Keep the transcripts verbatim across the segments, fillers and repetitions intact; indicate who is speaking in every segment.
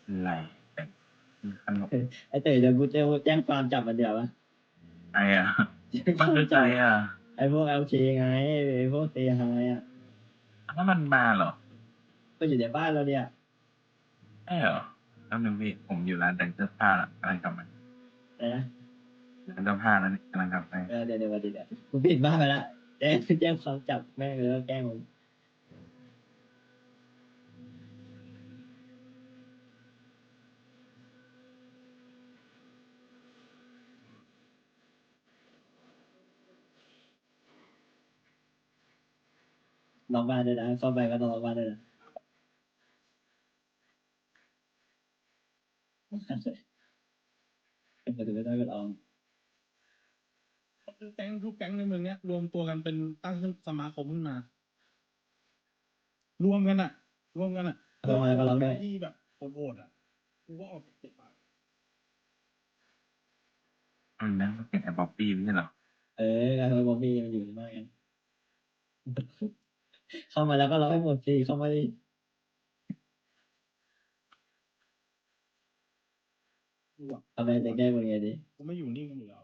Speaker 1: อะไรแต่ขนม
Speaker 2: ไอเต๋อเดี๋ยวกูจะแจ้งความจับมันเดี๋ยววะ
Speaker 1: ไอ้อะ
Speaker 2: แจ้งค
Speaker 1: มัน
Speaker 2: วาม
Speaker 1: คือ
Speaker 2: จั
Speaker 1: ใคร
Speaker 2: บ
Speaker 1: อะ
Speaker 2: ไอพวกเอลเคไงไอพวกเซฮายอ่ะ
Speaker 1: ถ้ามันมาเหรอ
Speaker 2: ก็อยู่ในบ้านเราเนี่ย
Speaker 1: ใช่เหรอแล้วหนึ่งพี่ผมอยู่ร้านแต่งเสื้อผ้าละกำลังกลับมา
Speaker 2: อะไรนะ
Speaker 1: ร้านเสื้อผ้าแล้วนี่กำลังกลับไป
Speaker 2: เออเดี๋ยวเดี๋ยวเดี๋ยวเดี๋ยวกูปิดบ้านไปละแจ้งแจ้งความจับแม่งเลยว่าแกล้งผมล็อกบ้านด้วยนะเข้าไปก็ต้องล็อกบ้านด้วยนะเป็นประตูไม่ต้องกดออม
Speaker 3: แก๊งทุกแก๊งในเมืองเนี้ยรวมตัวกันเป็นตั้งขึ้นสมาคมขึ้นมา รวมกันอ่ะ รวมกันอ่ะ
Speaker 2: ลงมาก็ล็อกด้วย
Speaker 3: ที่แบบโหดๆอ่ะกูว่าออกเจ็บปาก
Speaker 1: อืมนั่นก็เป็นไอ้บ๊อบบี้ไม่ใช่เหรอ
Speaker 2: เออการทำบอมบี้มันอยู่ในบ้านกัน เข้ามาแล้วก็ล็อกให้หมดสิเข้ามาดิทำไมจะแก้มึงไงดิ
Speaker 3: กูไม่อยู่นิ่งกันอยู่แล้ว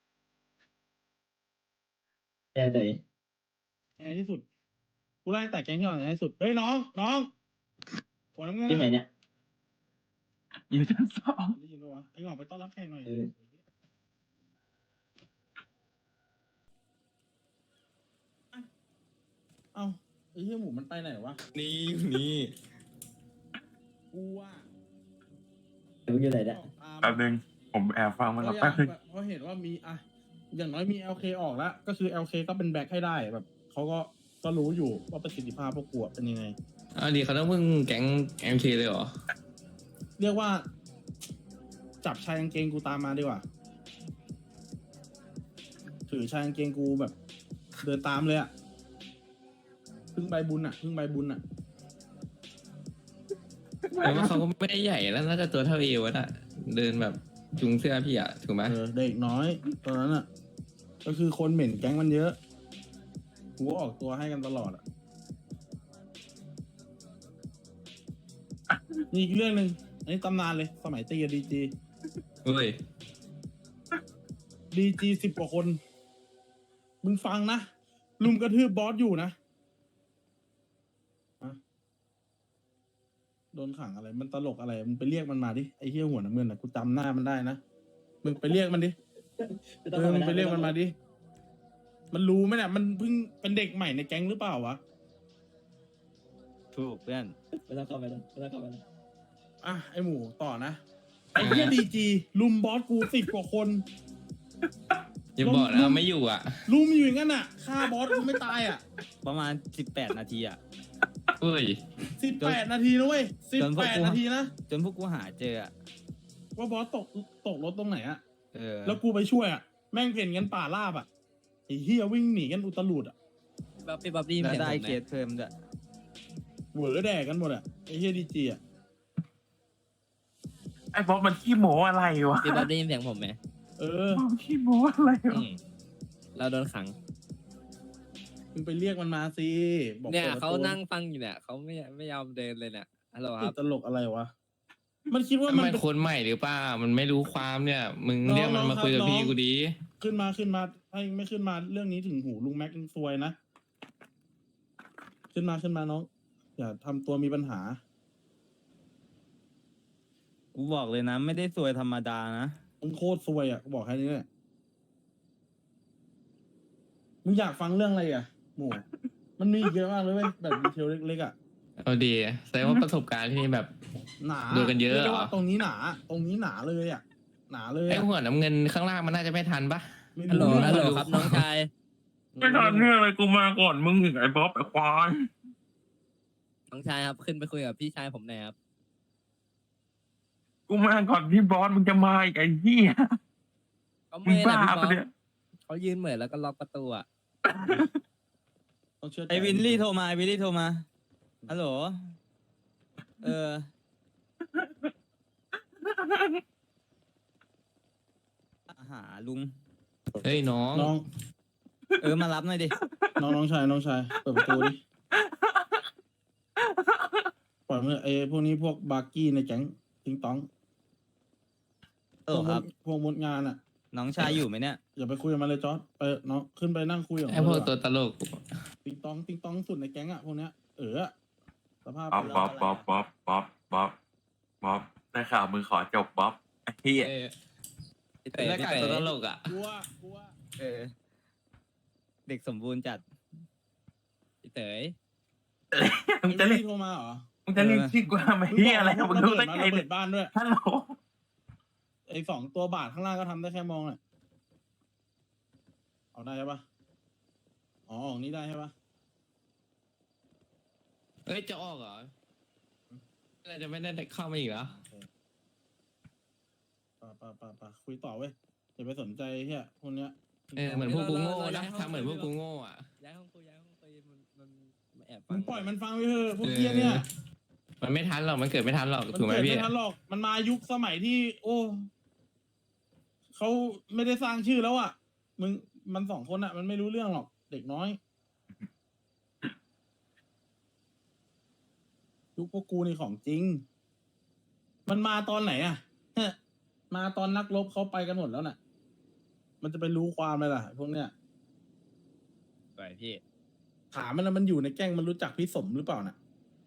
Speaker 2: แก้ตัวเอง
Speaker 3: ในที่สุดกูไล่แต่แก๊งที่อ่อนในที่สุดเฮ้ยน้องน้องหัวน้ำเงิน
Speaker 2: ที่ไหนเนี่ย
Speaker 1: อยู่ชั้นสอง
Speaker 3: ได้ยินปะวะไอ้หงอกไปต้อนรับแขกหน่อย
Speaker 2: เออ
Speaker 3: เอ้าไอ้เหี้ยหมูมันไปไหนวะ
Speaker 4: นี่นี่
Speaker 3: กูว่า
Speaker 2: มึงอยู่ไหนเนี่ย
Speaker 1: แป๊บนึงผมแอบฟังมัน
Speaker 3: เพ
Speaker 1: แล้ว
Speaker 3: ราะ
Speaker 1: แป๊บนึง
Speaker 3: เพราะเห็นว่ามีอ่ะอย่างน้อยมี แอล เค ออกแล้ว ก็คือ แอล เค ก็เป็นแบ็คให้ได้แบบเขาก็ก็รู้อยู่ว่าประสิทธิภาพพวกกูอะเป็นยังไง
Speaker 4: อ้าวดีเขาต้องพึ่งแก๊งแอมเคเลยเหรอ
Speaker 3: เรียกว่า จับชายกางเกงกูตามมาดีกว่า ถือชายกางเกงกูแบบ เดินตามเลยอะพึ่งใบบุญอะพึ่งใบบุญอะ
Speaker 4: แต่ว่าเขาก็ไม่ได้ใหญ่แล้วน่าจะตัวเท่าเอวน่ะ เดินแบบจุงเสื้อพี่อะถูกไหม
Speaker 3: เออเด็กน้อยตอนนั้นอะก็คือคนเหม็นแก๊งมันเยอะกูก็ออกตัวให้กันตลอดอะนี่อีกเรื่องหนึ่งอันนี้ตำนานเลย สมัยตีกับดีจี
Speaker 4: เฮ้ย
Speaker 3: ดีจีสิบกว่าคน มึงฟังนะ ลุมกระทืบบอสอยู่นะอะโดนขังอะไร มันตลกอะไร มึงไปเรียกมันมาดิ ไอ้เหี้ยหัวน้ำเงินนะกูจำหน้ามันได้นะ มึงไปเรียกมันดิ
Speaker 2: ไม่
Speaker 3: เอ
Speaker 2: ต้อง
Speaker 3: อ
Speaker 2: ข้า
Speaker 3: มึงไป
Speaker 2: นะ
Speaker 3: เรียกมันมาดิ มันรู้ไหมเนี่ย มันเพิ่งเป็นเด็กใหม่ในแก๊งหรือเปล่าวะ
Speaker 5: ถูกเพื่อน
Speaker 2: ไม่ต้องเข้าไปนะไม่ต้องเข้าไปนะ
Speaker 3: อ่ะ ไอ้หมูต่อนะ ไอ้เหี้ยดีจีลุมบอสกูสิบกว่าคน
Speaker 4: อย่าบอกนะไม่อยู่อ่ะ
Speaker 3: ลุมอยู่อย่างนั้นอ่ะฆ่าบอสกูไม่ตายอ่ะ
Speaker 5: ประมาณสิบแปดนาทีอ่ะ
Speaker 4: เฮ้ย
Speaker 3: สิบแปดนาทีนะเว้ยสิบ
Speaker 5: จนพว
Speaker 3: แป
Speaker 5: ก
Speaker 3: ด
Speaker 5: กู
Speaker 3: นาทีนะ
Speaker 5: จนพวกกูหาเจออ่ะ
Speaker 3: ว่าบอสตกตกรถตรงไหนอ่ะ
Speaker 5: เออ
Speaker 3: แล้วกูไปช่วยอ่ะ แม่งเพ่นกันป่าราบอ่ะไอ้เฮียวิ่งหนีกันอุตลุดอ่ะ
Speaker 5: บ๊อบบี้บ๊อบบี้แล้วได้เคสเพิ่มด้วย
Speaker 3: เหวอแดกกันหมดอ่ะไอ้เฮียดีจีอ่ะ
Speaker 1: ไอ้บ๊อบมันขี้โม้อะไรวะ
Speaker 6: พี่บ๊อบได้ยินเสียงผมไหม
Speaker 3: เออ
Speaker 1: บ๊อบขี้โม้อะไรวะ
Speaker 6: อืมเราโดนขัง
Speaker 3: มึงไปเรียกมันมาสิบอก
Speaker 6: เนี่ย
Speaker 3: ปิดประตู
Speaker 6: เขานั่งฟังอยู่เนี่ยเขาไม่ไม่ยอมเดินเลยเนี่ยฮัลโหลค
Speaker 3: ติ
Speaker 6: รั
Speaker 3: ด
Speaker 6: บ
Speaker 3: ตลกอะไรวะ มันคิดว่า
Speaker 4: มัน
Speaker 3: มัน
Speaker 4: เป็น
Speaker 3: เป็น
Speaker 4: คนใหม่หรือเปล่า มันไม่รู้ความเนี่ย มึง
Speaker 3: น้อง
Speaker 4: เรียกมัน
Speaker 3: น้อง
Speaker 4: มาคุยกับ
Speaker 3: ครับ
Speaker 4: พี่
Speaker 3: น้อง
Speaker 4: กูดี
Speaker 3: ขึ้นมาขึ้นมาให้ไม่ขึ้นมาเรื่องนี้ถึงหูลุงแม็กซ์ซวยนะ ขึ้นมาขึ้นมาน้อง อย่าทำตัวมีปัญหา
Speaker 5: กูบอกเลยนะ ไม่ได้สวยธรรมดานะ
Speaker 3: มึงโคตรซวยอ่ะกูบอกแค่นี้แหละมึงอยากฟังเรื่องอะไรอ่ะ หมู มันมีอีกเยอะมากเลยเว้ยแบบดีเทลเล็กๆอ่ะ
Speaker 4: เอาดีแสดงว่าประสบการณ์ที่นี่แบบ
Speaker 3: หนา
Speaker 4: โดนกันเยอะ
Speaker 3: รีกได้
Speaker 4: เหรอ
Speaker 3: ว่าตรงนี้หนา ตรงนี้หนาเลยอ่ะ หนาเลย
Speaker 4: ไอ้
Speaker 3: อะ
Speaker 4: หัวน้ำเงินข้างล่างมันน่าจะไม่ทันปะ
Speaker 3: ไม่
Speaker 6: ฮัลโหล
Speaker 3: รู้
Speaker 6: ฮัลโหล
Speaker 3: เรื่อง
Speaker 6: ครับน้องชาย
Speaker 1: ไม่ทันเรื่องอะไรกูมาก่อนมึงอีกไอ้บ๊อบไอ้ควาย
Speaker 6: น้องชายครับขึ้นไปคุยกับพี่ชายผมหน่อยครับ
Speaker 1: กูมาก่อนพี่บอสมึงจะมาอีกไอ้เหี้ย
Speaker 6: ก็
Speaker 1: มึ
Speaker 6: ไม่
Speaker 1: ง
Speaker 6: แหละ
Speaker 1: บ้า
Speaker 6: พี่บ๊อ
Speaker 1: ปะ
Speaker 6: บ
Speaker 1: เนี่ย
Speaker 6: เขายืนเหมือนแล้วก็ล็อกประตูอ่ะ
Speaker 3: ต้องเชื่อใจ
Speaker 5: ไอวินลี่โทรมาไอวินลี่โทรมา ฮัลโหล เออ หาลุง
Speaker 4: เฮ้ยน้อง
Speaker 3: น้อง
Speaker 5: เออ มารับหน่อยดิ
Speaker 3: น้องน้องชายน้องชายเปิดประตูดิปล่อยมันไอ้พวกนี้พวกบาร์กี้ในแก๊งติงตอง
Speaker 5: เออครับ
Speaker 3: พวกมดงานอ่ะ
Speaker 5: น้องชายอยู่ไหมเนี่ย
Speaker 3: อย่าไปคุยกับมันเลยจอร์ดไปน้องขึ้นไปนั่งคุยกับ
Speaker 4: ไอ้พวก
Speaker 3: มัน
Speaker 4: ตัว
Speaker 3: ดีกา
Speaker 4: ตลก
Speaker 3: ติงตองติงตองสุดในแก๊งอ่ะพวกเนี้ยเออสภาพ
Speaker 1: บ๊อบบ๊อบบ๊อบบ๊อบบ๊อบบ๊อบบ๊อบได้ข่าวมึงขอจบบ๊อบไอ้เหี้ย
Speaker 4: เออ
Speaker 6: พี่เต๋
Speaker 4: หน้า
Speaker 6: พี่
Speaker 4: กาก
Speaker 6: เต๋
Speaker 4: ตัวตลกอ่ะ
Speaker 3: กลัวกลัว
Speaker 5: เออ เด็กสมบูรณ์จัด
Speaker 6: พี่เต๋
Speaker 1: มึงจะเรียก
Speaker 3: โทรมาเหรอ
Speaker 1: มึงจะเรียกชื่อกูทำไมเหี้ยอะไร
Speaker 3: มึ
Speaker 1: มึ
Speaker 3: ง
Speaker 1: ง
Speaker 3: บ
Speaker 1: รู้
Speaker 3: อก
Speaker 1: ได้
Speaker 3: ระ
Speaker 1: ไง
Speaker 3: เบิ
Speaker 1: เนี่
Speaker 3: ด
Speaker 1: ย
Speaker 3: บ้านด้วย
Speaker 1: ฮัลโหล
Speaker 3: ไอ้สองตัวบาทข้างล่างก็ทำได้แค่มองแหละเอาได้ใช่ปะอ๋อออกนี้ได้ใช่ปะ
Speaker 4: เอ้ยจะออกเหรออะไรจะไม่ได้เข้ามาอีกเหรอ
Speaker 3: โอเคป่าป่าป่าป่าคุยต่อเว้ยอย่าไปสนใจเฮียพวกเนี้ย
Speaker 4: เออเหมือนพวกกูโง่นะทำเหมือนพวกกูโง่อ่ะ
Speaker 6: ย้ายห้องคุยย้ายห้องคุยมันมันมันแอบฟั
Speaker 3: มึ
Speaker 6: ง
Speaker 3: งปล่อยมันฟังไปเถอะพวกเฮียเนี่ย
Speaker 4: มันไม่ทันหรอกมันเกิดไม่ทันหรอก
Speaker 3: มัน
Speaker 4: ถูกไหม
Speaker 3: เกิด
Speaker 4: พี่
Speaker 3: ไม่ทันหรอกมันมายุคสมัยที่ โอ้เขาไม่ได้สร้างชื่อแล้วอ่ะมึงมันสองคนอ่ะ มันไม่รู้เรื่องหรอกเด็กน้อยยุคพวกกูนี่ของจริง มันมาตอนไหนอ่ะ มาตอนนักรบเขาไปกันหมดแล้วน่ะ มันจะไปรู้ความอะไรล่ะพวกเนี้ย
Speaker 6: ไปพี่
Speaker 3: ถามมันแล้วมันอยู่ในแก๊งมันรู้จักพี่สมหรือเปล่าน่ะ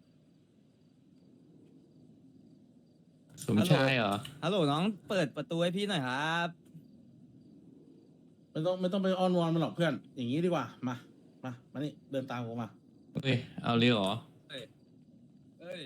Speaker 4: สมชายเหรอ
Speaker 5: ฮัลโหลน้องเปิดประตูให้พี่หน่อยครับ
Speaker 3: ไม่ต้องไม่ต้องไปอ้อนวอนมันหรอกเพื่อน อย่างนี้ดีกว่า มา มา มานี่เดินตามผมมา
Speaker 4: เฮ้ยเอาเรียเหรอ
Speaker 6: เอ้ยเอ้ย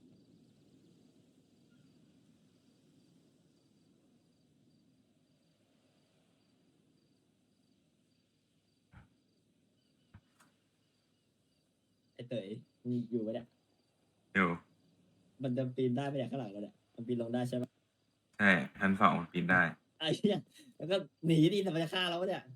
Speaker 2: ไอ้เต๋ยมีอยู่ปะเนี่ย
Speaker 1: อยู่
Speaker 2: มันจะปีนได้ไหมเนี่ยข้างหลังเราเนี่ยมันปีนลงได้ใช่ไหม
Speaker 1: ใช่ชั้นสองมันปีนได้
Speaker 2: ไอ้เนี่ยแล้วก็หนีดิแต่มันจะฆ่าเราปะเนี่ย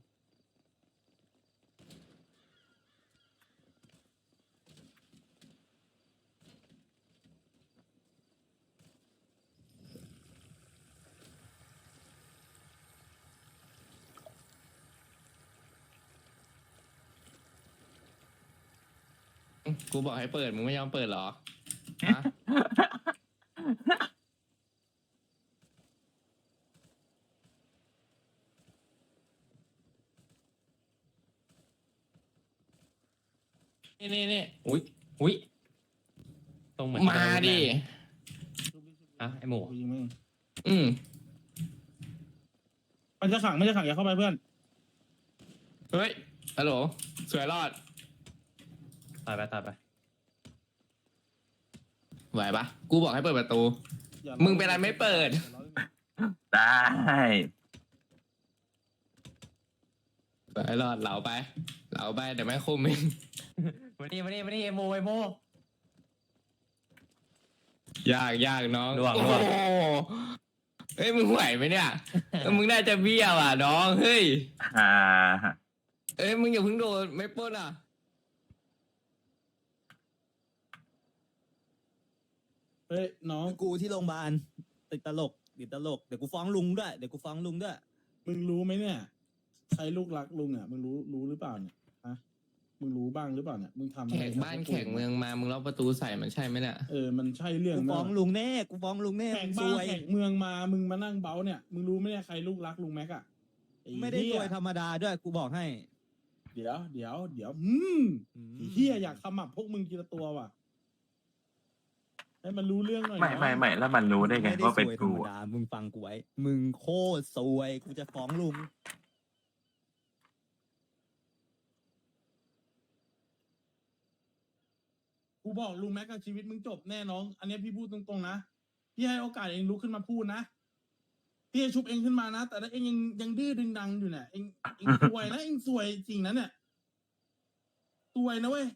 Speaker 4: กูบอกให้เปิดมึงไม่ยอมเปิดเหรอฮะนี่นี่นี่อุ้ยอุ้ย
Speaker 5: ตรงเหมือน
Speaker 4: มาดิ อ่ะไอ้หมู
Speaker 3: ยิงมึง
Speaker 4: อืม
Speaker 3: มันจะขังไม่จะขังอย่าเข้าไปเพื่อน
Speaker 4: เฮ้ยฮัลโหลสวยรอด
Speaker 5: ตายไปตายไป
Speaker 4: ไหวปะกูบอกให้เปิดประตู
Speaker 3: อย่า
Speaker 4: มึงเป็นอะไรไม่เปิด
Speaker 1: ได้
Speaker 4: ไปรอดเหลาไป เหลาไปเดี๋ยวแม่คุมเอง
Speaker 5: มานี่มานี่มานี่เอโมเอโม
Speaker 4: ยากยากน้อง
Speaker 5: ล่วง
Speaker 4: โอ้
Speaker 5: ล่วง
Speaker 4: โหเฮ้ยมึงไหวไหมเนี่ย เออมึงน่าจะเบี้ยวอ่ะน้องเฮ้ย
Speaker 1: ฮ่า
Speaker 4: เอ้ยมึงอย่าเพิ่งโดนไม่ปล้นอ่ะ
Speaker 3: เฮ้ยน้อง
Speaker 5: กูที่โรงพยาบาลติดตลกติดตลกเดี๋ยวกูฟ้องลุงด้วยเดี๋ยวกูฟ้องลุงด้วย
Speaker 3: มึงรู้ไหมเนี่ย ใครลูกรักลุงอ่ะ มึงรู้รู้หรือเปล่าเนี่ย ฮะ มึงรู้บ้างหรือเปล่าเนี่ย มึงทำอะ
Speaker 4: แข
Speaker 3: ไร
Speaker 4: กบ้านแขกเมืองมามึงล็อกประตูใส่มันใช่ไหมเนี่ย
Speaker 3: เออ มันใช่เรื่อง
Speaker 5: กู
Speaker 3: ไหม
Speaker 5: ฟ้องลุงแน่กูฟ้องลุงแน่
Speaker 3: แขก
Speaker 5: มึงซ
Speaker 3: บ้าน
Speaker 5: วย
Speaker 3: แขกเมืองมา มึงมานั่งเบ้าเนี่ย มึงรู้ไหมเนี่ยใครลูกรักลุงแม็กอะอ้
Speaker 5: ไม่ได้
Speaker 3: เหี้
Speaker 5: ซวยธรรมดาด้วยกูบอกให้
Speaker 3: เดี๋ยวเดี๋ยวเดี๋ยวอืมไอ้เฮียอยากขมับพวกมึงทีละตัวว่ะ ให้มันรู้เรื่องหน่อย
Speaker 1: ไม่
Speaker 3: นะ
Speaker 1: ไม่ไม่แล้วมันรู้ได้ไง
Speaker 5: ม่
Speaker 1: ว่าเป็น
Speaker 5: ซวยธร
Speaker 1: กู
Speaker 5: รม
Speaker 1: อะ
Speaker 5: ดามึงฟังกูไว้มึงโคตรซวยกูจะฟ้องลุง
Speaker 3: กูบอกลุงแม็กกับชีวิตมึงจบแน่น้อง อันเนี้ยพี่พูดตรงๆนะ พี่ให้โอกาสเองลุกขึ้นมาพูดนะ พี่จะชุบเองขึ้นมานะ แต่ถ้าเองยังยังดื้อดึงดังอยู่เนี่ย เองเองซวยนะ เองซวยจริงนะเนี่ยซวยนะเว้ย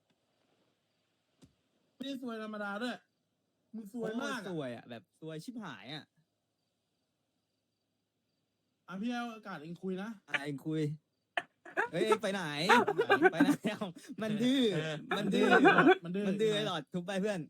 Speaker 3: ไม่ได้ซวยธรรมดาด้วย มึงซวยมาก
Speaker 5: โคตรซ
Speaker 3: อะ
Speaker 5: วยอ่ะแบบซวยชิบหายอ่ะ
Speaker 3: อ่ะพี่ให้โอกาสเองคุยนะ
Speaker 5: ไอ้คุยเฮ้ยไปไหนไปไหนเอ้ามันดื้อมันดื้อ
Speaker 3: มันดื้อ
Speaker 5: มันดื้อไอ้หลอดทุบไปเพื่อน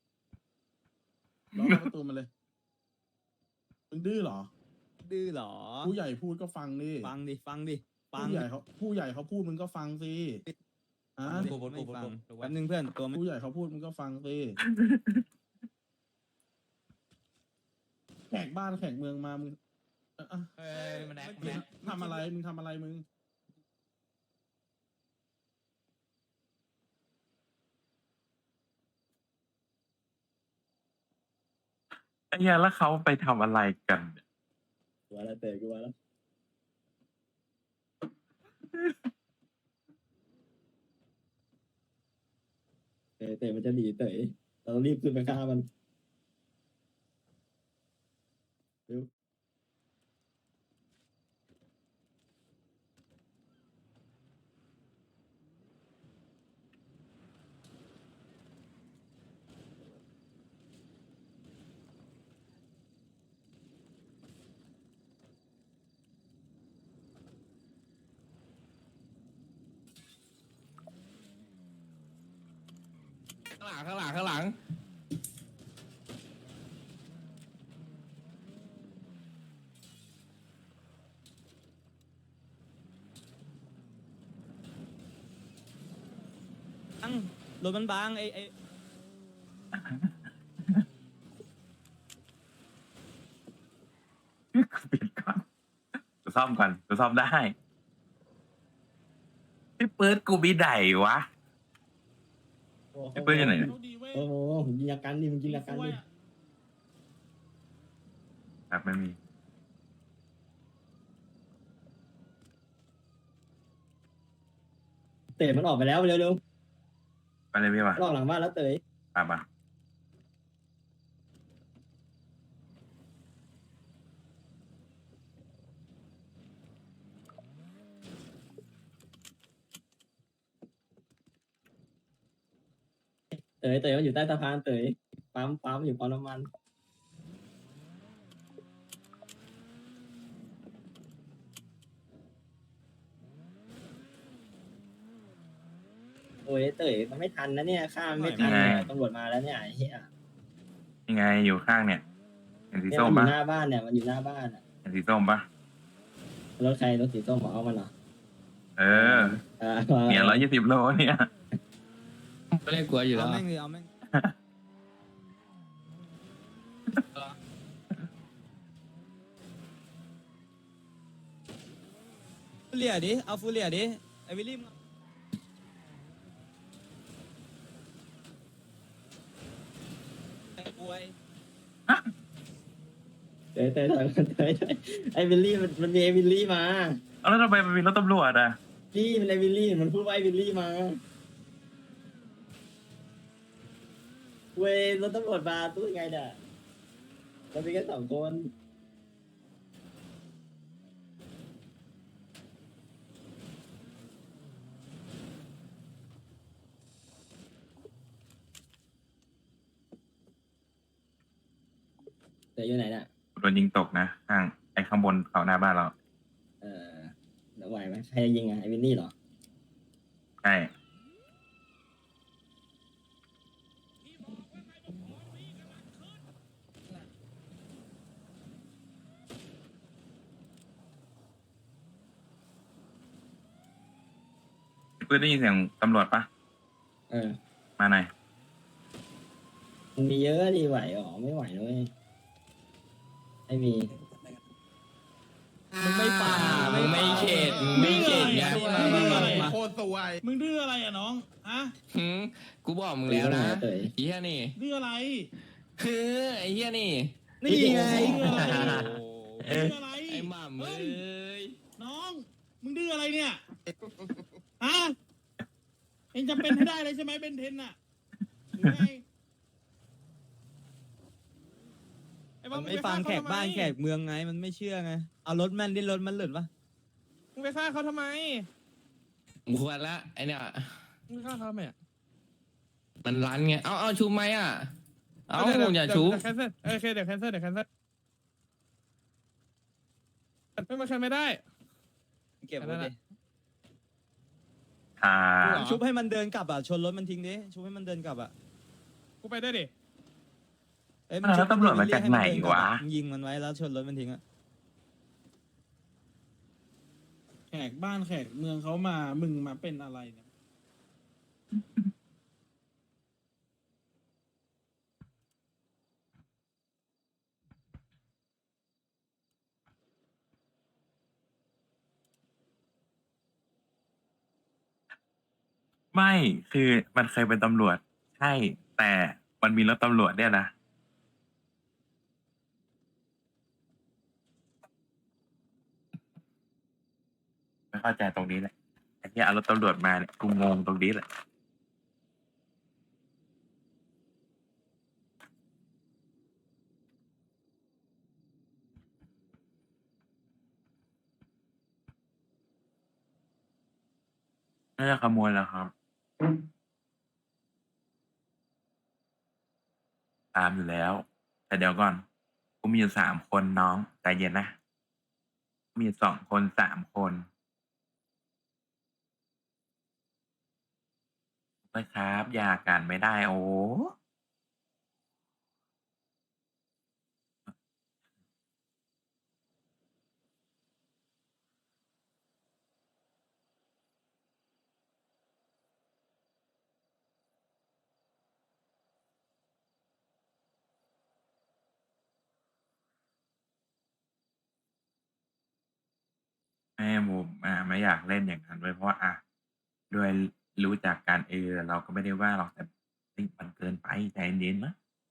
Speaker 3: ล็อกประตูมันเลยมึงดื้อเหรอ
Speaker 5: ดื้อเหรอ
Speaker 3: ผู้ใหญ่พูดก็ฟังดิ
Speaker 5: ฟังดิฟังดิฟัง
Speaker 3: ผู้ใหญ่เขาผู้ใหญ่เขาพูดมึงก็ฟังสิอ่ะ
Speaker 5: ฟังดิไม่ฟังแป๊บนึงเพื่อนตัวไม่
Speaker 3: ผู้ใหญ่เขาพูดมึงก็ฟังสิแขกบ้านแขกเมืองมามึงเอ่ออ่ะ
Speaker 5: เอ้ยมันแอค
Speaker 3: มึงทำอะไรมึงทำอะไรมึง
Speaker 1: ไอ้เหี้ยแล้วเขาไปทำอะไรกันเนี่ย
Speaker 2: กลัวแล้วเตะกลัวแล้วเตะเตะมันจะหนีเตะเราต้องรีบขึ้นไปฆ่ามันเร็ว
Speaker 4: ข้างหลังข้างหลังข้างหลัง
Speaker 5: บังรถมันบางไอ้ไอ้
Speaker 1: ปิดก่อนกูซ่อมก่อนกูซ่อมได้พี่เปิดกูมีไดวะ
Speaker 2: โอ้โห
Speaker 1: ไอ้เปิ้ลอยู่ไหนเนี่ย
Speaker 3: โชคดีเว้ย
Speaker 2: โอ้โหผมยิงอาการดิผมยิงอาการดิ
Speaker 1: ครับไม่มี
Speaker 2: เตะมันออกไปแล้วเร็ว
Speaker 1: ไปเลยพี่วะ
Speaker 2: ๆลอกหลังบ้านแล้วเตะ
Speaker 1: ตามมา
Speaker 2: เตะเตะมันอยู่ใต้สะพานเตะปั๊มปั๊มอยู่ปั๊มน้ำมันโอ้ยเตะมันไม่ทันนะเนี่ยข้ามไม่ทันเนี่ยตำรวจมาแล้วเนี่ยไอ้เหี้ย
Speaker 1: ยังไงอยู่ข้างเนี่ยเห็นสี
Speaker 2: เนี่ย
Speaker 1: ส้ม
Speaker 2: มันอ
Speaker 1: ปะ
Speaker 2: ยู่หน้าบ้านเนี่ยมันอยู่หน้าบ้านอะ
Speaker 1: เห็นสีส้มปะ
Speaker 2: รถใครรถสีส้มเอามันเหรอ
Speaker 1: เออ
Speaker 2: อ่า
Speaker 1: เนี่ยร้อยยี่สิบโลเนี่ย
Speaker 4: ไม่ได้กลัวอยู่แล้
Speaker 5: เอา
Speaker 4: ว
Speaker 5: แม่งเลยเอาแม่งฟูเลียดิเอาฟูเลียดิไอ้วิลลี่มึงไอ้ป่วย
Speaker 2: เตะเตะเตะเตะเตะไอ้วิลลี่มันมันมีไอ้วิลลี่มา
Speaker 1: เอาแล้วทำไมมันมีรถตำรวจอ่ะ
Speaker 2: พี่มันไอ้วิลลี่มันพูดว่าไอ้วิลลี่มาเว้ยรถตำรวจมาตู้ยังไงเนี่ยเรามีแค่สองคนเตะอยู่ไหนเนี่ย
Speaker 1: โดนยิงตกนะข้างไอ้ข้างบนเขาหน้าบ้านเรา
Speaker 2: เออแล้วไหวไหมใครจะยิงอ่ะไอ้วินนี่เหรอ
Speaker 1: ใช่เพื่อนได้ยินเสียงตำรวจปะ
Speaker 2: เออ
Speaker 1: มาหน่อย
Speaker 2: มันมีเยอะดีไหวหรอไม่ไหวเลยไม่มี
Speaker 5: มึงไม่ป่า
Speaker 4: มึงไม่เข็ดมึงไม่เข็ดไง
Speaker 3: มึงดื้ออะไร
Speaker 5: มา
Speaker 3: โคตรสวยมึงดื้ออะไรอ่ะน้องฮะ
Speaker 4: หืมกูบอกมึงแล้วนะ
Speaker 2: เตะ
Speaker 4: ไอ้เหี้ยนี่
Speaker 3: ดื้ออะไร
Speaker 4: คือไอ้เหี้ยนี่
Speaker 5: นี่ไง
Speaker 3: ดื้ออะไร
Speaker 4: โอ้
Speaker 3: ดื้ออะไร
Speaker 4: ไอ้หม่ำเอ้ย
Speaker 3: น้องมึงดื้ออะไรเนี่ยฮะเองจะเป็นให้ได้เลยใช่ไหมเบนเทนน่ะหรือไงอ้บ
Speaker 5: มั
Speaker 3: อน ล
Speaker 5: ไม่ฟังแขกบ้านแขกเมืองไงมันไม่เชื่อไงเอารถแม่นดิรถมันหลุดปะ
Speaker 3: มึงไปฆ่าเขาทำไม
Speaker 4: มึงควรละไอ้เนี่ย
Speaker 3: มึงฆ่าเขาทำไมอ่ะ
Speaker 4: มันรันไง เอาเอาชุบไหมอ่ะ เอา
Speaker 3: ดี๋ยว
Speaker 4: อย่า
Speaker 3: เดี๋ว
Speaker 4: ชุบ
Speaker 3: เดี๋ยวแคนเซิลโอเคเดี๋ยวแคนเซิลเดี๋ยวแคนเซิลไม่มาแคนไม่ได้
Speaker 5: เก็บไว้ดิ
Speaker 1: ทา
Speaker 3: เหรอ
Speaker 5: ชุบให้มันเดินกลับอ่ะชนรถมันทิ้งดิชุบให้มันเดินกลับอ่ะ
Speaker 3: กูไปได้วยดิ
Speaker 5: เอ้ย
Speaker 1: แล้วตำรวจมาจากไหนวะ
Speaker 5: มึงยิงมันไว้แล้วชนรถมันทิ้งอ่ะ
Speaker 3: แขกบ้านแขกเมืองเขามามึงมาเป็นอะไรเนี่ย
Speaker 1: ไม่คือมันเคยเป็นตำรวจ ใช่ แต่มันมีรถตำรวจเนี่ยนะ ไม่เข้าใจตรงนี้แหละไอ้ที่เอารถตำรวจมาเนี่ยกูงงตรงนี้แหละ น่าจะขโมยแล้วครับ ตามอยู่แล้ว แต่เดี๋ยวก่อน กูมีอยู่สามคนน้องใจเย็นนะ มีสองคนสามคนไม่ครับอย่ากันไม่ได้ โอ้แม่มุมอ่าไม่อยากเล่นอย่างนั้นด้วยเพราะว่าอ่ะด้วยรู้จักกันเออเราก็ไม่ได้ว่าหรอกแต่เฮ้ยมันเกินไปใจเย็นๆนะ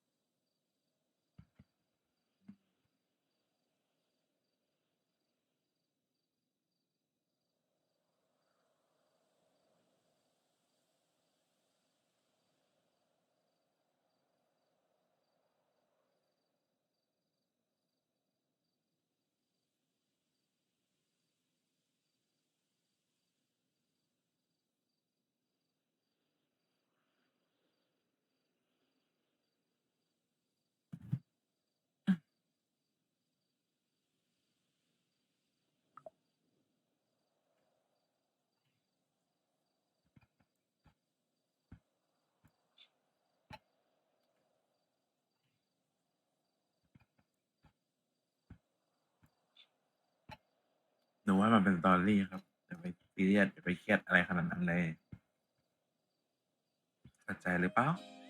Speaker 1: หนูว่ามันเป็น story ครับอย่าไปซีเรียสอย่าไปเครียดอะไรขนาดนั้นเลยเข้าใจหรือเปล่า